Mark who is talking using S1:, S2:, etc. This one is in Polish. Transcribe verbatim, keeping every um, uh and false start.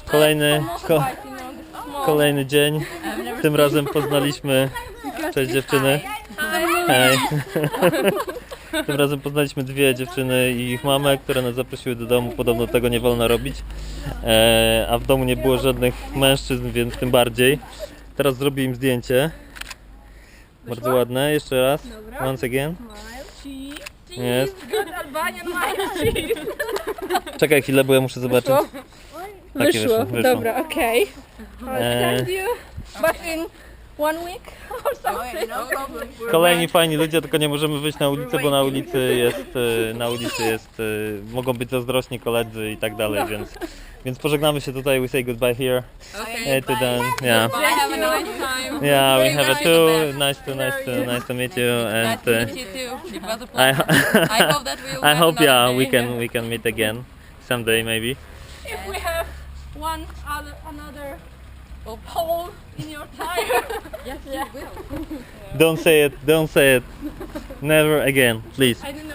S1: Kolejny, ko, kolejny dzień. Tym razem poznaliśmy... Cześć dziewczyny. Hej. Tym razem poznaliśmy dwie dziewczyny i ich mamę, które nas zaprosiły do domu. Podobno tego nie wolno robić. E, a w domu nie było żadnych mężczyzn, więc tym bardziej. Teraz zrobię im zdjęcie. Bardzo ładne. Jeszcze raz. Once again. Jest. Czekaj chwilę, bo ja muszę zobaczyć. Takie
S2: Wyszło,
S1: wyszło.
S2: dobra, okej.
S1: E,
S2: Thank you. But in one week or something.
S1: Kolejni fajni ludzie, tylko nie możemy wyjść na ulicę, bo na ulicy jest, e, na ulicy jest, e, mogą być zazdrośni koledzy i tak dalej, więc, więc pożegnamy się tutaj, we say goodbye here.
S3: Okay.
S1: To then, yeah.
S3: Bye, have a nice time.
S1: Yeah, we have a too. Nice to, nice to, nice to meet you, and
S3: Nice to
S1: uh,
S3: meet you too. It was a
S1: I,
S3: pleasure. I hope that we'll
S1: I
S3: have
S1: hope, yeah,
S3: another
S1: we
S3: day.
S1: can, we can meet again someday, maybe.
S2: If we have one other another hole in your tire.
S3: Yes, you will.
S1: Don't say it, don't say it. Never again, please.
S2: I didn't